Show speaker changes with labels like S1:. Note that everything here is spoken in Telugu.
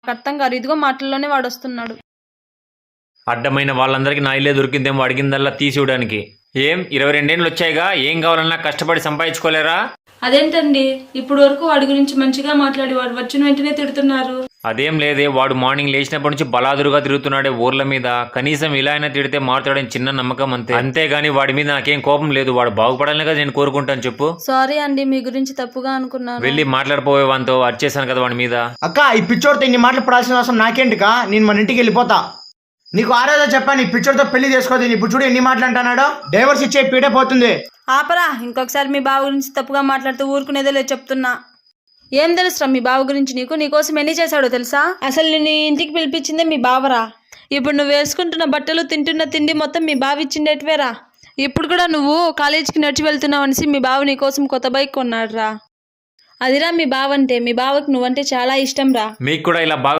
S1: నాకు అర్థం కాదు. ఇదిగో మాటల్లోనే వాడు వస్తున్నాడు.
S2: అడ్డమైన వాళ్ళందరికీ నా ఇల్లే దొరికిందేమో అడిగిందల్లా తీసివ్వడానికి. ఏం 22 ఏళ్ళు వచ్చాయిగా, ఏం కావాలన్నా కష్టపడి సంపాదించుకోలేరా?
S1: అదేంటండి ఇప్పుడు వరకు వాడి గురించి మంచిగా మాట్లాడి వాడు వచ్చిన వెంటనే తిడుతున్నారు.
S2: అదేం లేదే, వాడు మార్నింగ్ లేచినప్పటి నుంచి బలాదురుగా తిరుగుతున్నాడే ఊర్ల మీద. కనీసం ఇలా అయినా తిడితే మాట్లాడని చిన్న నమ్మకం అంతే. అంతేగాని వాడి మీద నాకేం కోపం లేదు. వాడు బాగుపడాలని కదా నేను కోరుకుంటాను. చెప్పు.
S1: సారీ అండి, మీ గురించి తప్పుగా అనుకున్నాను.
S2: వెళ్ళి మాట్లాడిపోయే వానితో వచ్చేసాను కదా వాడి మీద.
S3: అక్క, ఈ పిచ్చోడితో ఇన్ని మాటలు పడాల్సిన అవసరం నాకేంటికా? నేను మన ఇంటికి వెళ్ళిపోతా. నీకు ఆ రోజే చెప్పాను, ఈ పిచ్చోడితో పెళ్లి చేసుకోదు. ఇప్పుడు చూడు ఎన్ని మాటలు అంటున్నాడో. డైవర్స్ ఇచ్చే పీడే పోతుంది.
S1: ఆపరా, ఇంకొకసారి మీ బావ గురించి తప్పుగా మాట్లాడుతూ ఊరుకునేదే లేదు చెప్తున్నా. ఏం తెలుసురా మీ బావ గురించి నీకు? నీకోసం ఎన్ని చేశాడో తెలుసా? అసలు నేను ఇంటికి పిలిపించిందే మీ బావరా. ఇప్పుడు నువ్వు వేసుకుంటున్న బట్టలు, తింటున్న తిండి మొత్తం మీ బావ ఇచ్చిండేటివేరా. ఇప్పుడు కూడా నువ్వు కాలేజీకి నడిచి వెళ్తున్నావు అనేసి మీ బావ నీకోసం కొత్త బైక్ కొన్నాడు రా. అదిరా మీ బావ అంటే. మీ బావకు నువ్వంటే చాలా ఇష్టం రా.
S2: మీకు కూడా ఇలా